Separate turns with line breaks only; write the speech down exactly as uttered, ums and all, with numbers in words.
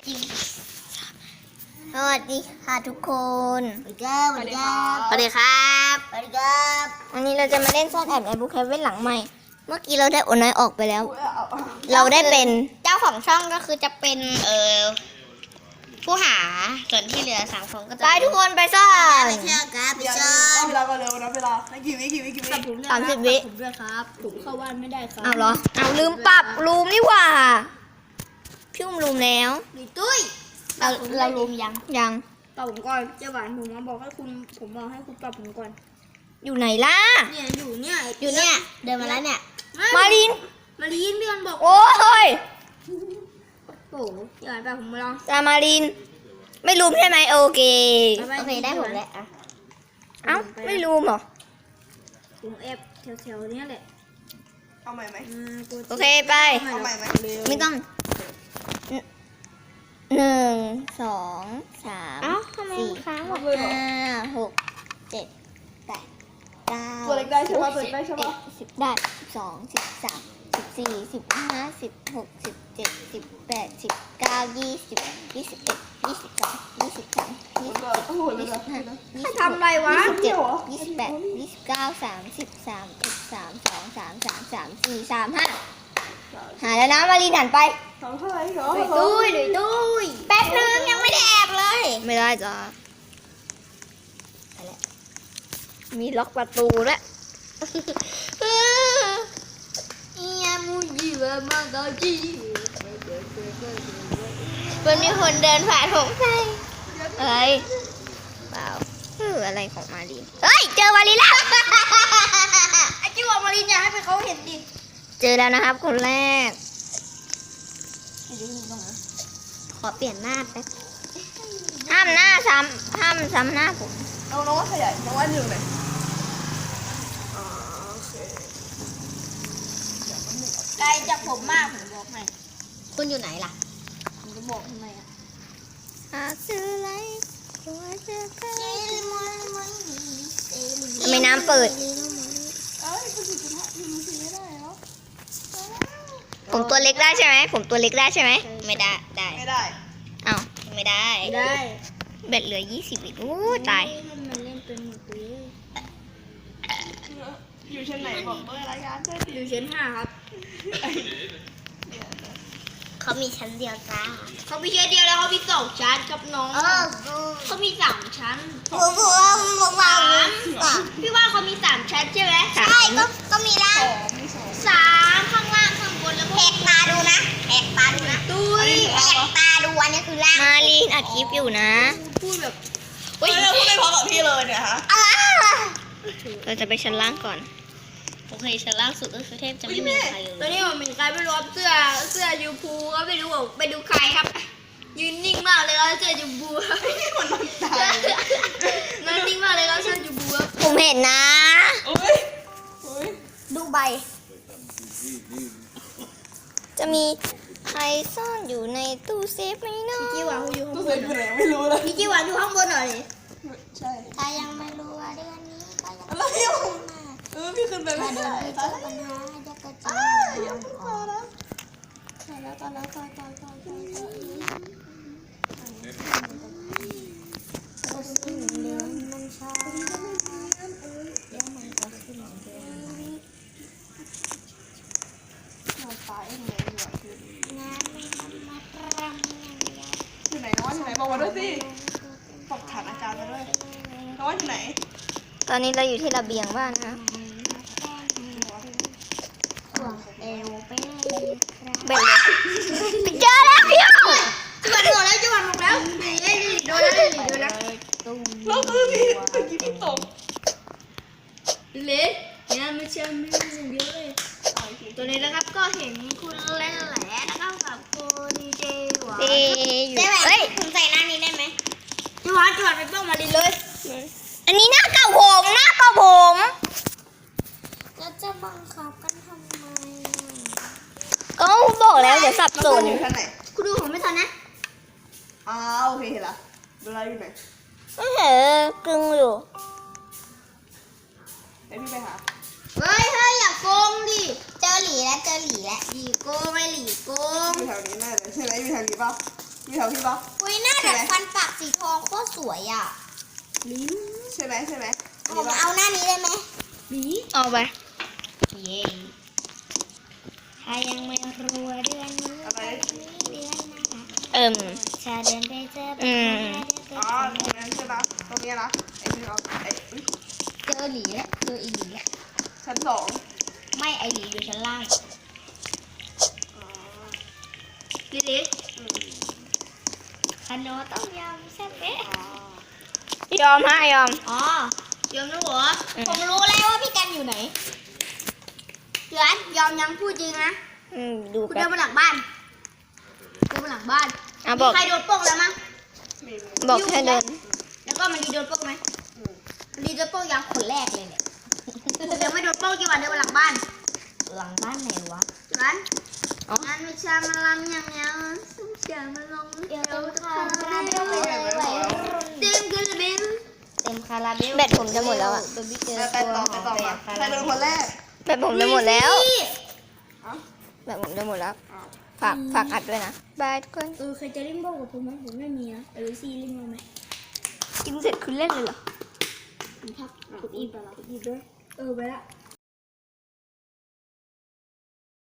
จริงสวัสดีค่ะทุกคนสวัสดีครับ
สวัสดีครับ
สวัสดีครับสวัสดีครับวันนี้เราจะมาเล่นซ่อนแอบในบุ๊คแคเว่นหลังใหม่เมื่อกี้เราได้โอนน้อยออกไปแล้ว เราได้เป็นเจ้าของช่องก็คือจะเป็นเอ่อผู้หาส่วนที่เหลือสามคนก็จะไปทุกคนไปซ่อนไปเชื่อครับไป
เดี๋ยว
ซ่อ
นั
น
บเวลาก่อนเร็วนับเวลาให้กี่วิกี่วิกี่วิ
สามสิบวิ
ผมด้วยครับผมเข้าบ้านไม่ได้ครับ
เอาเหรอเอาลืมปรับรูมนี่หว่าพี่อุ้มรูมแล้ว
ดีตุ้ย
เราเรารูมยังยัง
ปรับผมก่อนเจ้าหวานผมมาบอกให้คุณผมบอกให้คุณปรับผมก่อน
อยู่ไหนล่ะ
เนี่ยอยู่เนี่ย
อยู่เนี่ยเดินมาแล้วเนี่ย
ไม่
มาลิน
มาลีนเดือนบอก
โอ้ย
โอ้โหเจ้าหวานปรับผมมาลอง
ตามาลิน ไม่รูมใช่ไหมโอเค
โอเคได้หมดแล้วอ่ะ
เอ้าไม่รูมเหรอ
ผมแอบแถวๆเนี้ยแหละ
เอาใหม่ไหม
อ่าตัว
โอเคไป
เอาใหม่ไหม
ไม่ต้องหนึ่งสองสามสี่ห้าหกเจ็ดแปดเก้า
ตัวเล็กได้ใช่ปะตัวเล็กได้ใช่ปะ
สิบได้สิบสองสิบสามสิบสี่สิบห้าสิบหกสิบเจ็ดสิบแปดสิบเก้ายี่สิบยี่สิบเอ็ดยี่สิบสองยี่สิบสามยี่สิบ
โอ้โหเลย
ยี่สิบห้ายี่สิบ
ทำอะไรวะ
ยี่สิบเจ็ดยี่สิบแปดยี่สิบเก้าสามสิบสามสิบสามสองสามสามสามสี่สามห้าหาแล้วนะมารีนหันไป
สองเท่าไหร่เหรอ
ดุยตุ้ยดุยตุ้ย
แป๊บนึงยังไม่ได้แอบเลย ไม่ได้จ้ะไปแล้วมีล็อกประตูด้วยเอียมูจิวะมาโกจิมันมีคนเดินผ่านผมไปเอ้ยเปล่าเอออะไรของมารีนเฮ้ยเจอมารีนแล้ว
ไอ้จิ้วมาลีนอย่าให้ไปเขาเห็นดิ
เจอแล้วนะครับคนแรก ขอเปลี่ยนหน้าแป๊บห้ามหน้าซ้ำห้ามซ้ำหน้าผม
เอาน้องว่าขยายน้องว่าหนึ่งเลยอ๋อโอเค
ไกลจากผมมากผมบอกให้
คุณอยู่ไหนล่ะ
ผมจะบอกทำไมอ่ะ
หาซื้ออะไรตัวเจอกันทำไมน้ำเปิด
เอ้ยคุณถึงจะทำมันถึงไม่ได้เหรอ
ผมตัวเล็กได้ใช่ไหม ผมตัวเล็กได้ใช่ไหม ไม่ได้ ได้
ไม่ได้
เอ้าไม่ได้
ได้
เบ็ดเหลือยี่สิบอีกโอ้ตาย
มันมันเล่นเป็นหมดเลย
อยู่ชั้นไหนบอกเบอร์รายการด้วย
อยู่ชั้นห้าครับ
เขามีชั้นเดียวจ้า
เขามีแค่เดียวแล้วเขามีสองชั้นครับน้อง
เออ
เขามีสามชั้น
ผมผมผมว่า
สามพี่ว่าเขามีสามชั้นใช่ไหม
ใช่ก็ก็มีล่า
ส
ง
องมีสอง
สามข้างล่างข้างบนแล้ว
แหกตาดูนะแหกตาดูนะ
ตุ้ย
แหกตาดูอันนี้คือล่างมาลีนอัดคลิปอยู่นะ
พูดแบบ
เฮ้ยเราพูดไม่พอกับพี่เลยเนี่ยฮะ
เราจะไปชั้นล่างก่อนโอเคชั้นล่างสุดก็คือเทพจะไม่มีใครเล
ตัวย นี้ผมเป็นใครไม่รู้ครับเสื้อเสื้อยูพูก็ไม่รู้ว่าไปดูใครครับ ยืนนิ่งมากเลยครับเสื้อยูพู
พี่คนน้ำตาล
นั่งนิ่งมากเลยครับเสื้อยูพูครับ
ผมเห็นนะ
โอ้ยโอ้ย
ดูใบ จะมีใครซ่อนอยู่ในตู้เซฟไหมเนาะ
พี่หวานอยู่ข้าง
ตัว
บ
เซ็
น
งอยู่ไหนไม่รู้เลย
พี่จีหวานอยู่ข้างบนหน่อย
ใช่
ถ้ายังไม่รู้ว่าเดือนนี้ก็ยัง
อะไรอยู่เออพี่ขึ้นไปไม่
เดือ
ได้
นที่เจ
ตา
อย ปัญหาจะกระจา
ตาย
ย
ยังตายแล้วตายแล้วตายแล้วตายตายตายตายตาย
ก็สิ้นเดือนมันช้าเดี๋ยวมันก็สิ้นเดือน
เราตายเองเลยดีกว่าคือง
านไม่ทำมาตรำอย่างเดียว
อยู่ไหนน้องอยู่ไหนบอกมาด้วยสิบอกฐานอาจารย์มาด้วยน้องอยู่ไหน
ตอนนี้เราอยู่ที่ระเบียงบ้านนะ
เอวไป
เบ็ดเลยเจอแล้วพี่
จีหวานหมดแล้วจีหวานหมดแล้วเอ้ยโดนแล้วโดนแล้ว
แล้วคือพี่เมื่อกี้พี่ตก
เล็กเนี่ยไม่เชื่อไม่รู้เยอะเลยตัวนี้นะครับก็เห็นคุณเล่นแหละนะครับกับคุณดีเจหวาน
ดีอยู่เฮ้ย
ผมใส่หน้านี้ได้ไหมจีหวานจีหวานไปเป้ามาลินเลย
อันนี้หน้าเก่าผมหน้าเก่าผม
แล้วจะบังคับกันทำไม
ก็บอกแล้วเดี๋ยวสับสน
อยู่ชั้นไหน
คุณดูผมไม่ทันนะ
อ้าวโอเคเห็นละดูแลอยู่ไหน
ไม่เห็นกึ่งอยู่
เดี๋ยวพี่ไปหา
เฮ้ยเฮ้ยอย่าโกงดิ
เจอหลีแล้วเจอหลีแล้ว
หลีโกงไม่หลีโกง
อยู่แถวนี้แน่เลยใช่ไหมอยู่แถวนี้ป่ะมีแถวพี่ปะ
อุ้ยหน้าดัดฟันปากสีทองโคตรสวยอ่ะ
ลิ้น
ใช่ไหมใช่ไหม
ผมเอาหน้านี้ได้ไหม
บี
เอาไปเย้ถ้ายังไม่รู้ว่าเดือนนี้
อะไร
เดือนนะคะเอิ่มชาเดินไปเจออืม
อ๋อตรงนั้นใช่ปะตรงนี้นะไอ้ที่เราไอ้อุ๊ย
เจอหลีแล้วเจออีหลีแล้ว
ชั้นสอง
ไม่ไอหลีอยู่ชั้นล่าง
อ๋อ
ลิลิ
อืม
ขนมต้มยำแซ่บเป๊ะ
อ๋อ
ยอมฮะยอม
อ๋อยอมแล้วเหรอ
ผมรู้แล้วว่าพี่กันอยู่ไหน
เดือนยอมยังพูดจริงนะ
อืมดู
คุณ
แป๊
เดิ
บ
นมาหลังบ้านเดินมาหลังบ้าน
อ่ะบ
มี
อก
ใครโดนโป้งแล้วมั้ง
มีมี
บอกให้เดิน
แล้วก็มันดีโดนโป้งไหม
อืม
มันดีโดนโป้งยังคนแรกเลยเนี่ยผมยังไม่โดนโป้งกี่วันเดินมาหลังบ้าน
หลังบ้านไหนวะ
เดือน
อ๋อ
งานวิชามาลำยังยังสุ่มเสียมาลง
เดี๋ยว
เดี๋ยว
เต็ม
จะ
คา
พา
รา
ไป
เบลเลยวัยรุ่น
เต็มกระเบน
เต็มคาราเบลแบตผมจะหมดแล้วอ่ะ
ไปไปต่อไปต่อมาใครเป็นคนแรก
แบตผมจะหมดแล้ว
อ๋อ
แบตผมจะหมดแล้ว
อ๋อ
ฝากฝากอัดด้วยนะบายทุกคน
เออใครจะเล่นโบ้กับผมไหมผมไม่มีนะเออซีเล่นมาไหม
กินเสร็จคุณเล่นเลยเหรอ
ผมพักกดอีกไปแล้วกดอีกด้วยเออไปละ